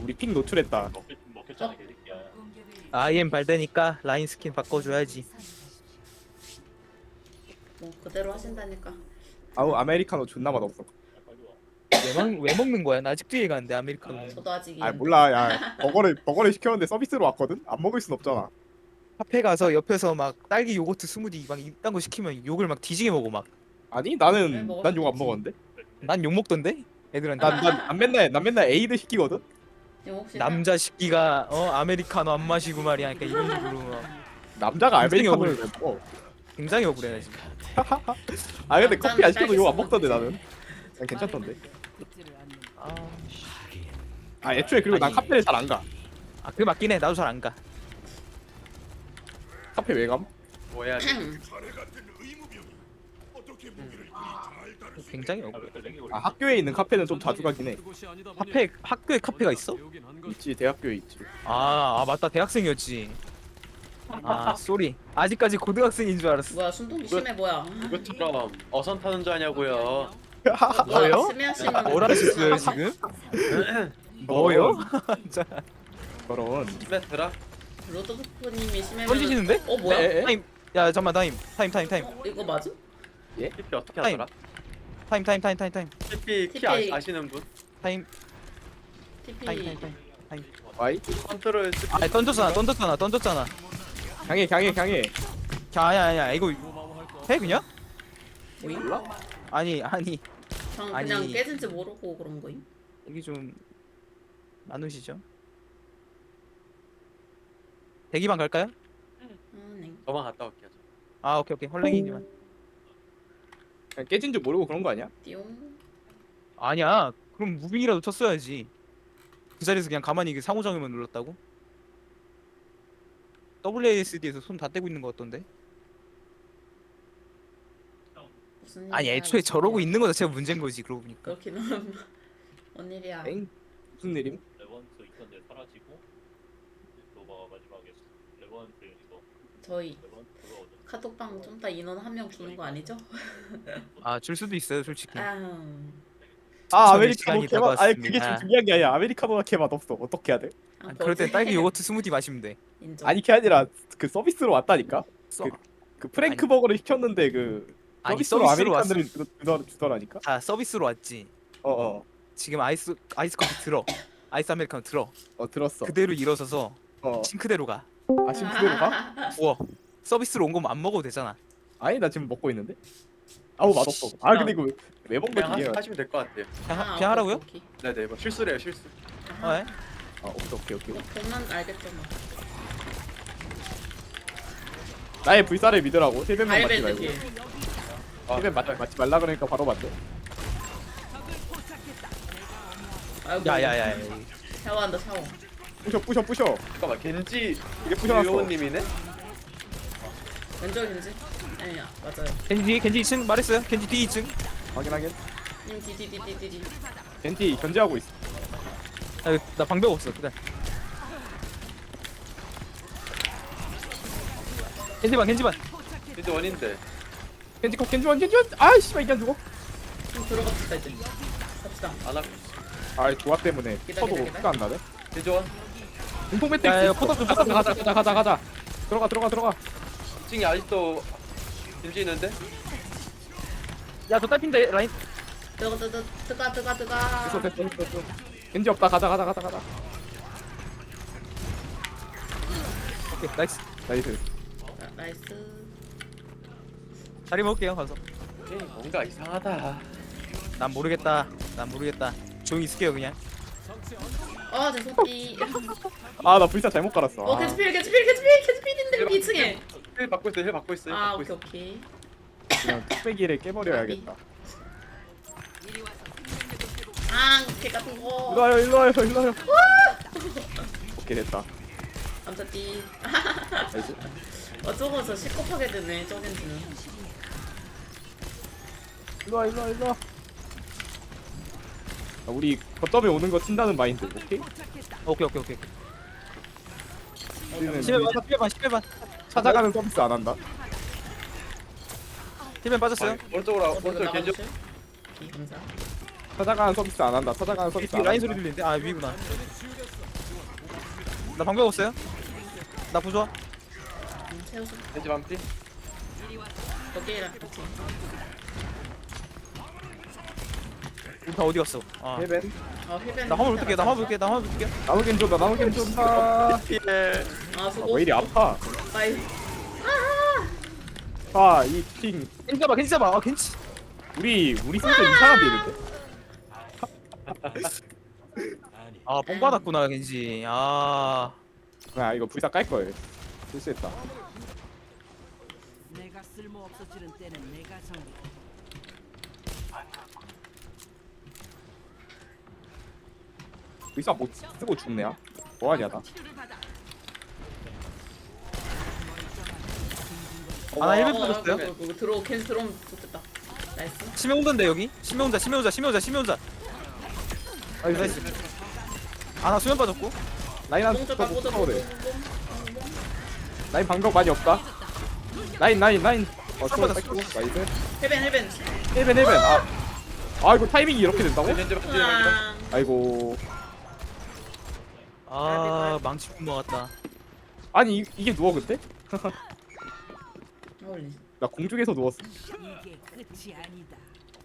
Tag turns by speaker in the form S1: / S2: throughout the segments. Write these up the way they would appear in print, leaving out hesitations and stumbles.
S1: 우리 픽 노출했다.
S2: 먹혔잖아 개새끼야.
S3: IM 발대니까 라인 스킨 바꿔줘야지.
S4: 뭐 그대로 하신다니까.
S1: 아우 아메리카노 존나 맛없어.
S3: 왜 먹는 거야? 나 아직도 이해가 안 돼. 아메리카노.
S4: 저도 아직
S1: 아 몰라 야 버거를 시켰는데 서비스로 왔거든? 안 먹을 순 없잖아.
S3: 카페 가서 옆에서 막 딸기 요거트 스무디 막 이딴 거 시키면 욕을 막 뒤지게 먹어 막.
S1: 아니
S4: 네,
S1: 나는
S4: 먹을
S1: 난
S4: 수
S1: 욕 안
S4: 있지.
S1: 먹었는데?
S3: 난 욕 먹던데? 애들한테.
S1: 난 맨날 에이드 시키거든?
S4: 이거 혹시
S3: 남자 식기가 아메리카노 안 마시고 말이야. 그러니까 이런 식으로 막
S1: 남자가
S3: 굉장히
S1: 아메리카노를 왜 먹어?
S3: 굉장히 억울해 나 지금.
S1: 아 근데
S4: 남자는
S1: 커피 안 시켜도 욕 안
S4: 딸기
S1: 먹던데
S4: 소주.
S1: 나는. 난 괜찮던데.
S3: 아,
S1: 아 애초에 그리고 난
S3: 아니.
S1: 카페를 잘 안 가.
S3: 아 그게 맞긴 해. 나도 잘 안 가.
S1: 카페 왜 감?
S2: 뭐 해야 돼?
S3: 굉장히 억울해.
S1: 아 학교에 있는 카페는 좀 자주 가긴 해.
S3: 학교에 카페가 있어?
S1: 있지 대학교에 있지.
S3: 아 맞다. 대학생이었지. 아 쏘리. 아직까지 고등학생인 줄 알았어.
S4: 뭐야 순둥이 심해 뭐야.
S2: 이것처럼 어선 타는 줄 아냐고요.
S3: 뭐요?
S4: 스매하시는
S3: 뭐라 하셨어요 지금? 뭐요? 진짜
S1: 저런.
S2: 스매트라?
S4: 로드부님이 심해.
S3: 던지시는데?
S4: 어 뭐야?
S1: 에?
S3: 타임. 야 잠만 타임.
S4: 이거 맞음?
S2: TP 어떻게
S3: 타임.
S2: 하더라?
S3: 타임.
S2: TP 키
S4: TP.
S2: 아시는 분?
S3: 타임.
S4: TP.
S3: 타임.
S1: 와이
S2: 컨트롤 스피
S3: 아 던졌잖아.
S1: 강해.
S3: 아니야 이거 해 그냥?
S4: 뭐임?
S3: 아니
S4: 전 그냥
S3: 아니.
S4: 깨진지 모르고 그런 거임?
S3: 이게 좀 나누시죠. 대기방 갈까요?
S4: 네.
S2: 저만 갔다 올게요.
S3: 아 오케이 헐랭이님만.
S1: 그냥 깨진 줄 모르고 그런 거 아니야?
S4: 띠용.
S3: 아니야. 그럼 무빙이라도 쳤어야지. 그 자리에서 그냥 가만히 이게 상호작용만 눌렀다고? WASD에서 손 다 떼고 있는 거 같던데?
S4: 무슨
S3: 아니
S4: 일이야,
S3: 애초에
S4: 이게.
S3: 저러고 있는 거 자체가 문제인 거지 그러고 보니까.
S4: 그렇긴 함. 뭔 일이야?
S1: 엥? 무슨 일임?
S5: 레번트 있던데 사라지고 너가 마지막에 레번트 이거
S4: 저희
S5: 레번트가 어디
S4: 카톡방 좀 이따 인원 한 명 주는 거 아니죠?
S3: 아 줄 수도 있어요 솔직히.
S1: 아
S3: 추천의
S1: 아메리카노
S3: 시간이
S1: 개맛. 아니 그게
S3: 다가왔습니다.
S1: 좀 중요한 게 아니야. 아메리카노가 개맛 없어. 어떻게 해야 돼?
S3: 그럴 땐 딸기 요거트 스무디 마시면 돼.
S4: 인정.
S1: 아니 그게 아니라 그 서비스로 왔다니까.
S3: 써.
S1: 그 프랭크 버거를 시켰는데 그
S3: 아니
S1: 서비스로
S3: 서비스로 왔어.
S1: 아메리카노를 주더라니까.
S3: 자 서비스로 왔지.
S1: 어어
S3: 지금 아이스 커피 들어. 아이스 아메리카노 들어.
S1: 들었어.
S3: 그대로 일어서서
S1: 어.
S3: 싱크대로 가.
S1: 아 심스대로 가?
S3: 우와. 서비스로 온 거면 안 먹어도 되잖아.
S1: 아니 나 지금 먹고 있는데. 아우 맛없어. 아 근데 이거 왜 먹는
S2: 그냥
S1: 거지?
S2: 하시면 될 것 같아요.
S3: 그냥 하라고요?
S4: 오케이.
S2: 네네 뭐 실수래요 실수.
S3: 네.
S1: 아 오케이.
S4: 보면 알겠죠 뭐.
S1: 나의 불사를 믿으라고. 힐벤만 맞지
S4: 알베드
S1: 말고.
S4: 딜.
S1: 힐벤 맞지 말라 그러니까 바로 맞대.
S4: 아이고.
S3: 야야야.
S4: 샤워한다 샤워.
S1: 부셔.
S2: 잠깐만 겐지
S1: 이게 부셔놨어.
S2: 요원님이네?
S4: 왼쪽 겐지? 아니야 맞아요.
S3: 겐지 2층 말했어요? 겐지 뒤 2층.
S1: 확인하긴.
S4: 님 디디디디디디.
S1: 겐티 견제하고 있어.
S3: 나 방벽 없어. 그래. 겐지반.
S2: 겐지 원인데.
S1: 겐지원. 아 씨발 이게 안 죽어.
S4: 좀 들어갑시다 이제. 갑시다.
S2: 안 하고.
S1: 아 조화 때문에 쳐도
S4: 기다.
S1: 피가 안 나네.
S2: 겐지 원.
S1: 공통
S3: 야,
S1: 매트릭스.
S3: 포탑 좀
S1: 가자. 들어가.
S2: 2층에 아직도 겐지 있는데?
S3: 야저 딸핀데 라인.
S4: 뜨가.
S1: 됐어. 겐지 없다. 가자.
S3: 오케이 나이스.
S1: 나이스.
S4: 나이스.
S3: 자리 먹을게요 가서.
S2: 뭔가 이상하다.
S3: 난 모르겠다. 조용히 있을게요 그냥.
S4: 죄송띠.
S1: 아 나 불사 잘못 깔았어. 아.
S4: 캐치필인데 2층에.
S2: 힐 받고 있어요.
S4: 아 오케이.
S1: 그냥 뚝배기를 깨버려야겠다.
S4: 개 같은 거.
S1: 일로 와요. 오케이 됐다.
S4: 감사띠.
S1: 나이스.
S4: 어쩌고 저 시겁하게 되네 저겐지는.
S1: 일로 와. 우리 거점에 오는 거 친다는 마인드. 오케이?
S3: 오케이.
S1: 우리는
S3: 10배 반.
S1: 찾아가는 서비스 안 한다.
S3: 10배 빠졌어요.
S2: 오른쪽 겐지.
S4: 감사.
S1: 찾아가는 서비스 안 한다.
S3: 뒤 라인 소리 들리는데? 아 위구나. 나 방금 없어요? 나 부좋아.
S4: 채워줘.
S2: 겐지 반피.
S4: 거기랑 같이.
S3: 우리 다 어디 갔어? 아.
S1: 헤벤.
S4: 힐벤.
S3: 나 화물 볼게. 나 화물 볼게. 나 화물 볼게.
S1: 나무 겐 쏜다. 나무 겐 쏜다.
S4: 아 수고.
S1: 왜 이리 아파?
S4: 빠이.
S1: 이 핑.
S3: 겐지 잡아. 겐지 잡아. 아 겐지.
S1: 우리 승전 이상한데 이런데.
S3: 아 뽕 받았구나 겐지. 아.
S1: 아 이거 불사 깔 걸. 실수했다.
S6: 내가 쓸모 없어지는 때는 내가 정리.
S1: 불사 못 쓰고 죽네야. 뭐하냐 나.
S3: 아나 1배 빠졌어요.
S4: 들어 캔 들어오면 좋겠다. 나이스.
S3: 심해 온던데 여기. 심해 온다. 심해 온다. 심해 온다. 심해 온다. 나이스. 아나 수면 빠졌고.
S1: 라인 한
S4: 뽕
S1: 번
S4: 꽂아
S1: 더 그래. 라인 방벽 많이 없다. 라인. 어, 저
S3: 받았어.
S1: 뺏고. 나이스.
S4: 힐벤.
S1: 헬벤. 아 이거 타이밍이 이렇게 된다고?
S2: 겐지 반피.
S4: 아.
S1: 아이고.
S3: 아 망치 먹었다.
S1: 아니 이게 누워 그때?
S4: 어울리.
S1: 나 공중에서 누웠어.
S6: 이게 끝이 아니다.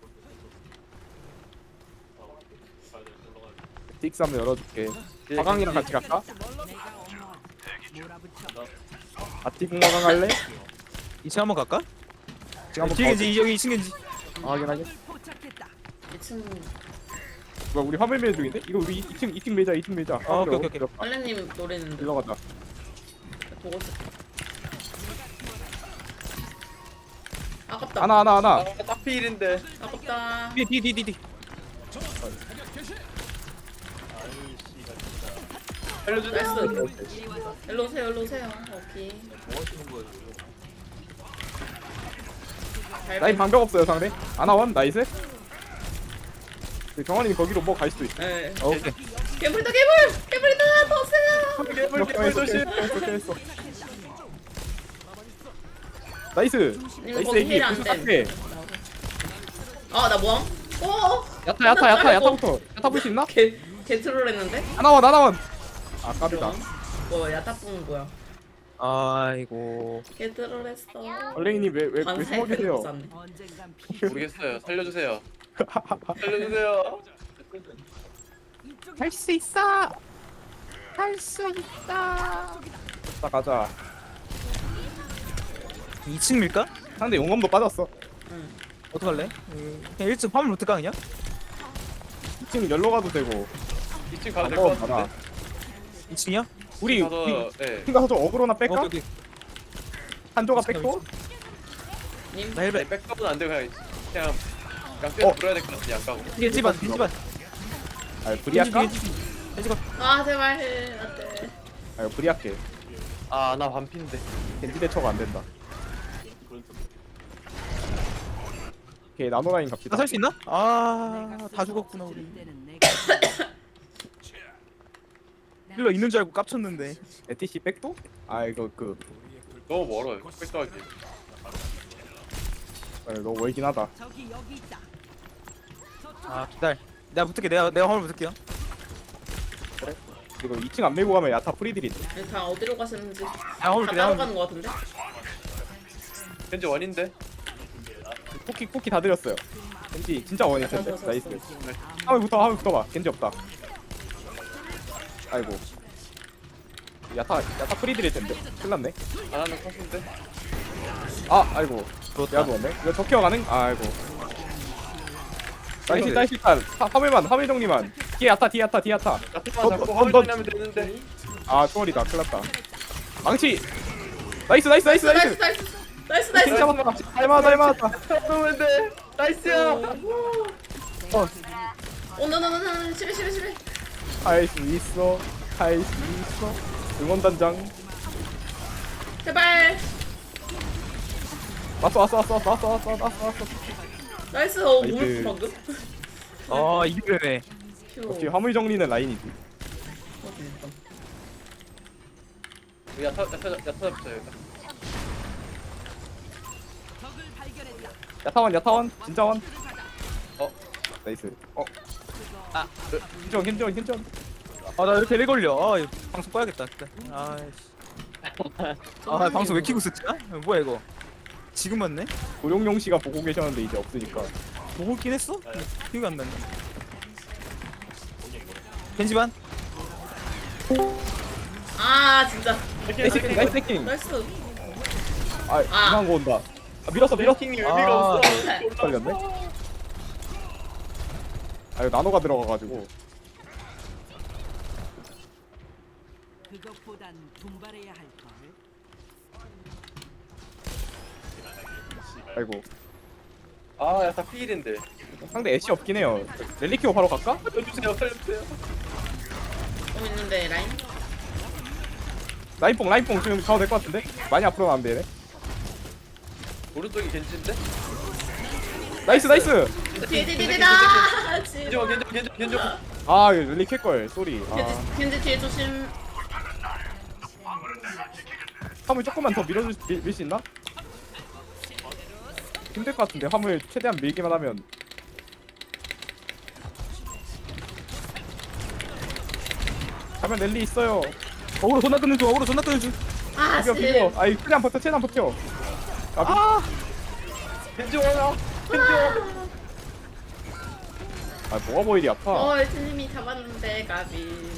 S1: 딕스 한번 열어줄게. 화강이랑 같이 갈까?
S6: 내가 어머하지. 몰아붙여.
S1: 아티공 화강 할래?
S3: 2층 한번 갈까?
S1: 지금 한번
S3: 뒤에 겐지 여기 2층 겐지.
S1: 확인하게.
S6: 포착했다.
S4: 2층
S1: 뭐야 우리 화물 매일 중인데? 이거 우리 2층 매자 2층 매자.
S3: 아, 오케이.
S4: 빨래님 노래는데
S1: 일로 가자.
S4: 보고 있어. 아깝다.
S1: 하나.
S2: 딱 필인데.
S4: 아깝다.
S3: 뒤.
S2: 살려주세요.
S4: 나이스. 일로 오세요. 오케이. 잘
S1: 라인 방벽 없어요 상대. 하나원 나이스. 경환이 거기로 뭐 갈 수도 있어.
S4: 네.
S1: 오케이.
S4: 괴물이다. 더 세요.
S2: 개불 조심.
S1: 했어. 나이스.
S4: 이거
S1: 나이스
S4: 거기
S1: 애기.
S4: 힐 안
S1: 무슨
S4: 돼.
S1: 깎게.
S4: 나 뭐함?
S1: 야타 볼 수 있나?
S4: 개 트롤했는데?
S1: 하나원. 아 까비다.
S4: 뭐 야타뽕 뭐야?
S3: 아이고.
S4: 개 트롤했어.
S1: 얼랭이님 왜 숨어 계세요?
S6: 언젠간 피.
S2: 모르겠어요. 살려주세요. 살려주세요.
S1: 할 수 있어. 가자.
S3: 2층 밀까?
S1: 상대 용검도 빠졌어.
S4: 응.
S3: 어떡할래? 그냥 1층 화물 어떡하 그냥?
S1: 2층 열로 가도 되고.
S2: 2층 가도 될 것
S1: 받아.
S2: 같은데.
S3: 2층이야?
S1: 우리
S2: 가서 네.
S1: 팀 가서 좀 어그로나 뺄까?
S3: 오케이.
S1: 한조가 뺐고.
S4: 님.
S3: 나 1배.
S2: 네, 백업은 안 되고 그냥 양떼
S1: 어.
S2: 물어야 될 것 같아. 양가고.
S3: 겐지 반.
S1: 아 불이할까?
S3: 겐지 반.
S4: 아 제발 안돼.
S1: 아 이거 불이할게.
S2: 나 반피인데.
S1: 겐지 대처가 안 된다. 오케이 나노라인 갑시다.
S3: 나살 수 있나? 다 죽었구나 우리.
S6: 때는 내가
S3: 힐러 있는 줄 알고 깝쳤는데.
S1: 에티시 백도? 아 이거
S2: 너무 멀어요. 백도하기.
S1: 너무 멀긴 하다.
S6: 저기 여기 있다.
S3: 아 기다려. 내가 붙을게. 내가 화물 붙을게요.
S1: 이거 2층 안 밀고 가면 야타 프리들이 돼.
S4: 다 어디로 가시는지 다
S3: 야 화물 붙게.
S4: 따로 가는 거 같은데?
S2: 겐지 원인데.
S1: 쿠키 다 드렸어요. 겐지 진짜 원일 텐데.
S4: 자.
S1: 나이스. 화물 붙어봐. 겐지 없다. 아이고. 야타 프리들일 텐데. 큰일 났네.
S2: 안 하는 컷인데.
S1: 아이고. 내가 누웠네. 이거 적혀 가능? 아이고. 나이스 일단 화물 정리만. 뒤에 야타.
S2: 야트만 잡고
S1: 넌-
S2: 화물 정리하면 되는데.
S1: 아 초월이다. 큰일 났다. 망치. 나이스.
S4: 나이스.
S1: 진짜 맞다. 잘 맞았다.
S2: 잡으면 돼. 나이스야.
S4: 오너너너너 11.
S1: 할 수 있어. 응원단장.
S4: 제발.
S1: 왔어.
S4: 나이스.
S1: 나이스.
S4: 뭘 방금?
S3: 아 이게 되네.
S1: 역시 화물 정리는 라인이지.
S2: 야타 잡자 여기다.
S1: 야타원 진짜 원.
S2: 어.
S1: 나이스. 켄전.
S3: 나 이렇게 렉 걸려. 아 이거 방송 꺼야겠다. 진짜. 아이씨. 아 방송 왜 키고 쓰지? 뭐야 이거? 지금 왔네?
S1: 고용용 씨가 보고 계셨는데 이제 없으니까.
S3: 보고 있긴 했어? 기억이 안 나네. 겐지반?
S4: 아 진짜.
S1: 나이스 해킹, 나이스 해킹.
S4: 나이스.
S1: 아 이상한 거 온다. 아, 밀었어.
S2: 해킹이 의미가 없어.
S1: 걸렸네. 아 이거 나노가 들어가가지고.
S6: 그것보단 분발해야 할 걸.
S1: 아이고
S2: 아, 야다 피일인데.
S1: 상대 애쉬 없긴 해요. 렐리키오 바로 갈까?
S2: 살려주세요, 살려주세요.
S4: 있는데 라인.
S1: 라인뽕 지금 가도 될 것 같은데? 많이 앞으로는 안 되네.
S2: 오른쪽이 겐지인데?
S1: 나이스.
S4: 뒤에다.
S2: 겐지.
S1: 아 이거 렐리키 걸 쏘리.
S4: 겐지 뒤에 조심.
S1: 화물 조금만 더 밀 수 있나? 힘들 것 같은데 화물 최대한 밀기만 하면. 가면 랠리 있어요.
S3: 어그로 존나 끄는 중. 어그로 존나 끄는 중.
S4: 아
S1: 비벼
S4: 씨.
S1: 비벼. 아이 최대한 버텨. 아
S2: 겐지 와라. 겐지 와.
S1: 뭐가 뭐 이리 아파.
S4: 엘트님이 잡았는데 가비.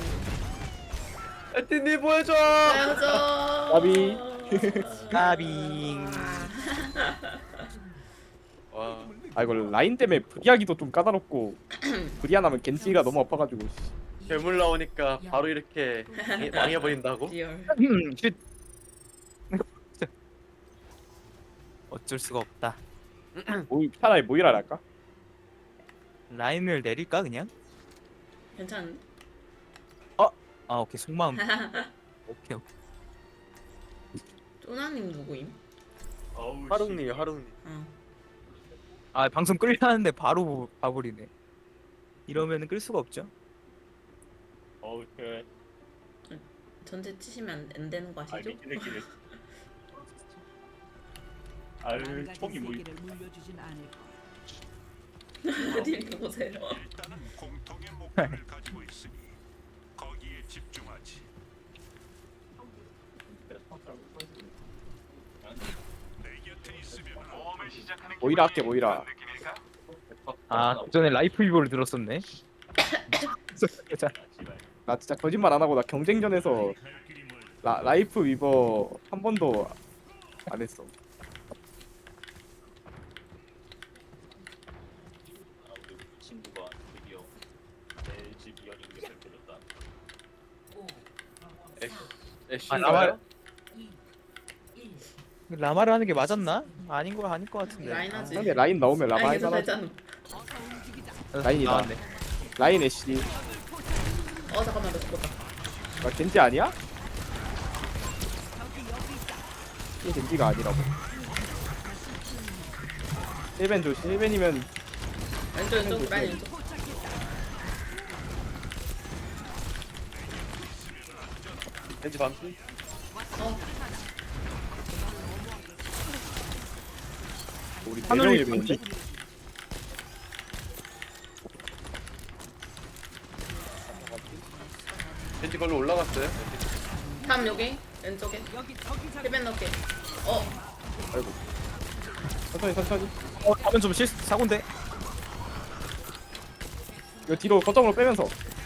S2: 에티니 보여줘.
S4: 보여줘.
S1: 가비.
S3: 까빙.
S2: 와.
S1: 아 이거 라인 때문에 브리하기도 좀 까다롭고 브리하나면 겐지가 너무 아파가지고.
S2: 괴물 나오니까 바로 이렇게 망해버린다고?
S4: 리얼.
S3: 쉿. 어쩔 수가 없다.
S1: 차라리 모이라 할까?
S3: 라인을 내릴까 그냥?
S4: 괜찮은데?
S3: 아 오케이 속마음. 오케이.
S4: 쪼나님 누구임?
S5: 어우,
S2: 하룽님이요, 하룽님.
S4: 어.
S3: 아 방송 끌려하는데 바로 봐버리네. 이러면은 끌 수가 없죠.
S5: 어우, 그래.
S4: 전체 치시면 안 되는 거
S5: 아,
S4: 아시죠?
S5: 미끼를. 아유, 총이 뭐
S6: 세계를 물려주진 않을 걸.
S4: 어딜 보세요.
S7: 공통의 목표를 가지고 있으니 거기에 집중하지. 내 곁에 있으면 모험을 시작하는
S1: 모이라 할게 모이라.
S3: 아 그전에 라이프 비보를 들었었네. 자,
S1: 나 진짜 거짓말 안 하고 나 경쟁전에서 라이프 위버 한 번도 안 했어.
S5: 아, 우리 친구가 드디어 내 집 이어링을 들렸다.
S2: 애쉬인가요?
S3: 라마를 하는 게 맞았나? 아닌 거 아닐 것 같은데.
S4: 라인 하지.
S1: 상대 라인 나오면 라마
S4: 라인 계속
S1: 할만하지.
S4: 살잖아.
S1: 라인이다.
S3: 나왔네.
S1: 라인 애쉬.
S4: 잠깐만 나 죽었다.
S1: 나 겐지 아니야? 이게 겐지가 아니라고. 1벤 조심. 1벤이면
S4: 왼쪽 라인 왼쪽.
S2: 겐지 반피?
S1: 우리
S3: 하늘이
S1: 4명이 보는데?
S2: 겐지 걸로 올라갔어요?
S4: 다음 여기 왼쪽에. 힐벤 넣게.
S1: 아이고. 천천히.
S3: 가면 좀 사고인데.
S1: 이거 뒤로 거점으로 빼면서.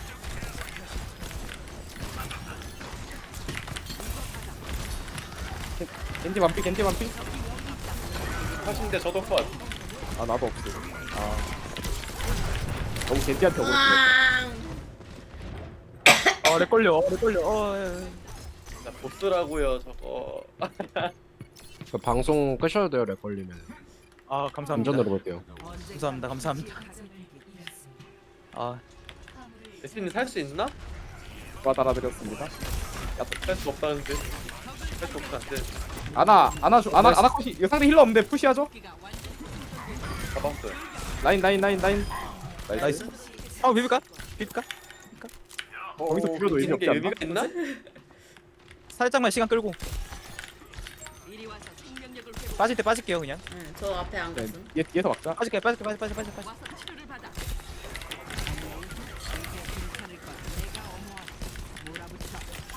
S1: 겐지 반피.
S2: 하신데 저도 컷.
S1: 아 나도 없어. 아 너무 겐지한테 오고 있네.
S4: 왕.
S3: 렉 걸려.
S2: 나 보스라고요, 저거.
S8: 그 방송 끄셔도 돼요. 렉 걸리면
S3: 아 감사합니다.
S8: 운전으로 볼게요.
S3: 감사합니다. 아
S2: 에티니 살 수 있나?
S1: 와 달아드렸습니다.
S2: 살 수 없다는데. 살 수 없다는데.
S1: 아나 컷이. 이거 상대 힐러 없는데 푸시하죠?
S2: 잡았어요.
S1: 라인.
S3: 나이스. 비빌까?
S1: 거기서 비벼도 의미
S2: 이기는 게
S1: 없지 않나?
S2: 의미가 있나?
S3: 살짝만 시간 끌고 빠질 때 빠질게요 그냥.
S4: 응, 저 앞에 안
S1: 네,
S4: 갔음.
S1: 뒤에서 막자.
S3: 빠질게.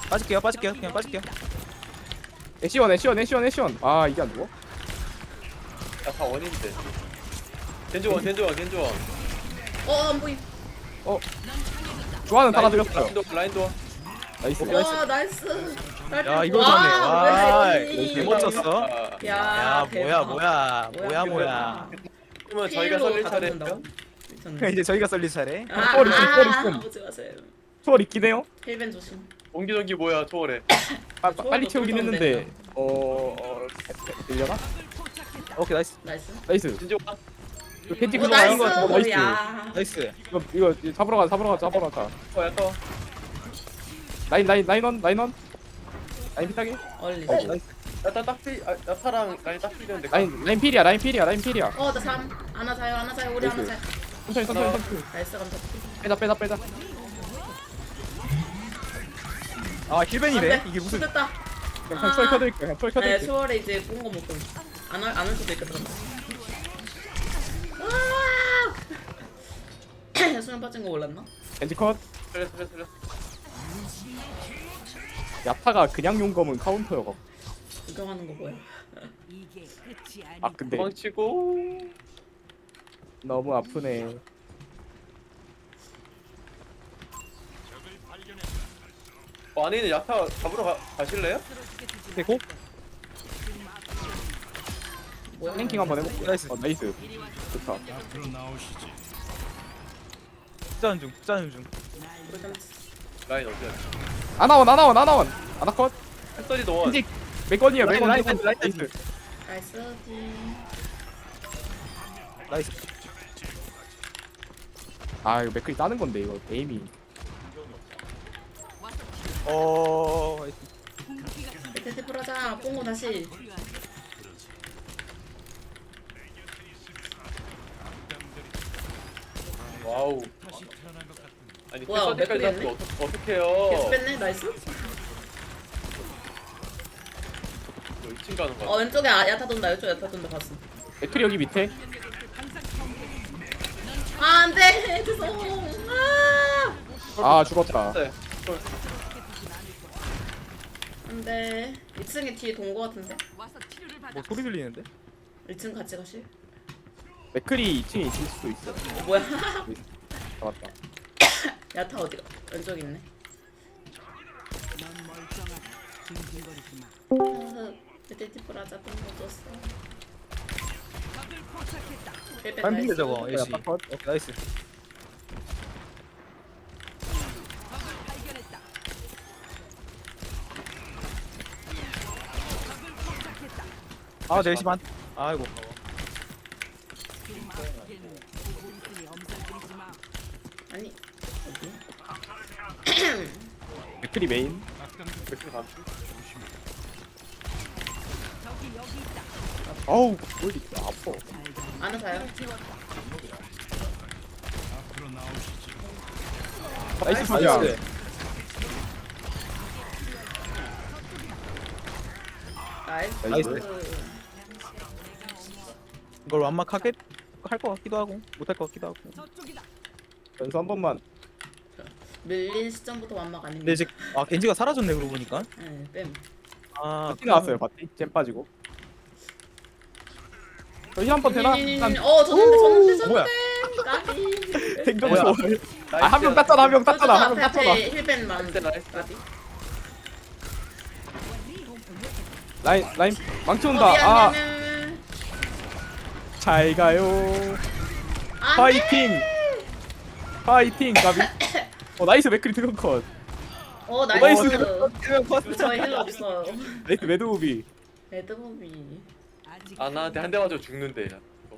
S3: 빠질게요 빠질게요 그냥 빠질게요.
S1: 애쉬원 애쉬원 애쉬원 애쉬원. 아 이게 안 죽어?
S2: 야다 원인데. 겐조원 겐조원 겐조원.
S4: 안 보임.
S1: 좋아하는 달아드렸어요.
S2: 라인도.
S1: 나이스.
S4: 와 나이스.
S3: 야 이걸 잡네. 와
S4: 왜
S3: 개 멋졌어.
S4: 야,
S3: 야
S4: 대박.
S3: 뭐야.
S2: 그러면 저희가 살릴 차례예요.
S3: 이제 저희가 썰릴 차례.
S1: 뻘 있음, 뻘 있음.
S4: 보지 마세요.
S1: 초월 있긴 해요.
S4: 힐벤 조심.
S2: 옹기종기 뭐야 초월해.
S1: 빨리 채우긴 했는데 들려나?
S3: 오케이 나이스
S4: 나이스.
S1: 나이스.
S2: 겐조원.
S1: 이거 캔디
S4: 오
S1: 굴러가는
S4: 나이스.
S1: 거 나이스.
S4: 야.
S3: 나이스.
S1: 이거 잡으러 가자.
S2: 야터.
S1: 라인원 라인 피타게.
S4: 얼리.
S2: 야타 딱필. 야타랑 라인 딱 필인데.
S1: 라인 필이야. 나
S4: 3. 하나 자요. 우리 하나 자요.
S1: 천천히.
S4: 나이스 감사.
S1: 빼자.
S3: 아 힐벤이래. 이게 무슨
S4: 됐다.
S1: 그냥 초월 켜드릴게요.
S4: 네, 초월에 이제 뽕거 먹고 안할 수도 있겠다. 아! 수면 빠진 거 몰랐나?
S1: 겐지 컷.
S2: 살려.
S1: 야타가 그냥 용검은 카운터여가.
S4: 구경하는 거 뭐야?
S6: 이게 끝이 아니.
S1: 아 근데
S2: 도망치고.
S1: 너무 아프네.
S2: 아니는 야타 잡으러 가실래요?
S3: 되고
S4: 뭐야?
S1: 랭킹 한번 해볼게.
S3: 나이스.
S1: 나이스. 좋다.
S7: 앞으로 나오시지.
S3: 짜는 중.
S2: 라인 어디야?
S1: 아나원. 아나컷.
S2: 햇살이 너원.
S1: 겐지 몇 건이에요? 몇 건?
S3: 라인.
S1: 나이스.
S4: 나이스.
S3: 나이스.
S1: 아 이거 맥클이 따는 건데 이거 에임이.
S4: 밑에 풀어자. 뽕고 다시.
S2: 와우. 아니
S4: 뭐야,
S2: 햇살까지
S4: 맥클이
S2: 잡고
S4: 계속
S2: 어떡해요?
S4: 뺐네. 나이스.
S2: 너 2층 가는 거야.
S4: 왼쪽에 야타 돈다. 이쪽 야타 돈다 봤어.
S1: 맥클이 여기 밑에.
S4: 안돼. 죄송.
S1: 아 죽었다.
S2: 네.
S4: 안돼. 2층에 뒤에 돈 거 같은데.
S3: 뭐 소리 들리는데?
S4: 1층 같이 가실?
S1: 맥클이 2층에 있을 수도 있어.
S4: 뭐야?
S1: 잡았다.
S4: 야타 어디가? 왼쪽 있네.
S6: 넌 멀쩡하다. 징징거리지 마.
S4: 밑에 티프라자 뽕거 줬어.
S3: 반비례 저거
S1: 나이스.
S3: 예시. 오케이 나이스. 아 제시 반. 아이고.
S4: 아니
S1: 맥클이 메인.
S2: 맥주 감시.
S1: 어우 꼴리 아파.
S4: 안 사요?
S7: 앞으로 나오시지.
S1: 나이스 소리야.
S3: 나이스.
S4: 나이스.
S1: 나이스.
S3: 이걸 완막하게 할 것 같기도 하고 못할 것 같기도 하고.
S1: 연수 한 번만.
S4: 밀린 시점부터 완막 아닙니다.
S3: 근데 이제 겐지가 사라졌네 그러고 보니까.
S4: 네, 뺨.
S3: 아
S1: 바티 나왔어요 바티. 잼 빠지고. 저희 한번 되나? 일단
S4: 졌는데.
S3: 뭐야?
S4: 까비.
S1: 생존소. 아한 명 땄잖아 한 명 땄잖아 한 명 땄잖아.
S4: 힐벤 많은데.
S2: 나이스.
S4: 까비.
S1: 라인 망치
S4: 어,
S1: 온다.
S4: 미안,
S1: 아
S4: 미안.
S1: 잘 가요.
S4: 안 돼.
S1: 파이팅 가비. 나이스 맥크리 특허 컷.
S4: 나이스.
S3: 나이스.
S4: 저희 힐러 없어요.
S1: 나이스 매드무비.
S4: 레드무비.
S6: 아직
S2: 아 나한테 한 대 맞아 죽는데.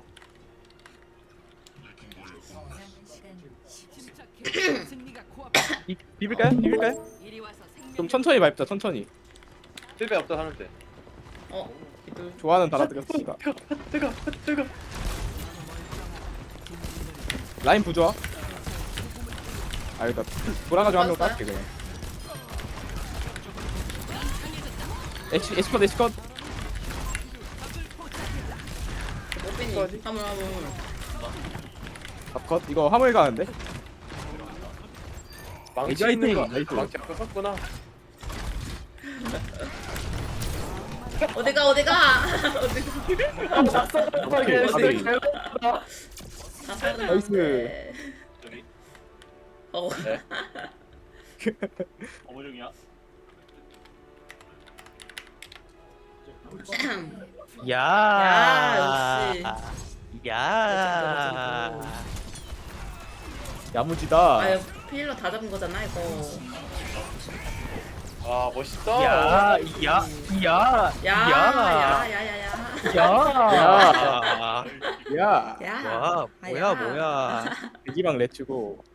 S6: 침착해. 승리가 코앞에.
S3: 비빌까요?
S6: 이리 와서 생명.
S1: 좀 천천히 밟자 천천히.
S2: 실패 없다 하는데.
S4: 기둘.
S1: 좋아하는 달아드렸으니까.
S2: 뜨거.
S1: 라인 부좋아. 아 일단 돌아가지고 한 명 땄게 그냥. 에시컷.
S4: 모빈이. 화물.
S1: 컷. 이거 화물 가는데.
S2: 망치
S1: 화이팅!
S2: 있는 거.
S1: 나이스.
S2: 망치 아까 썼구나.
S4: 어디가 어디가
S1: 까비.
S4: 다 살았는데.
S1: 나이스.
S5: 저기
S4: 어.
S5: 어머중이야.
S3: 야.
S4: 야, 역시.
S3: 야.
S1: 야무지다.
S4: 아유 필러 다 잡은 거잖아 이거.
S2: 아 멋있다.
S3: 야. 야. 야.
S4: 야야야야야야.
S3: 야.
S1: 야,
S4: 야.
S3: 와, 뭐야, 뭐야.
S1: 대기방 레츠고.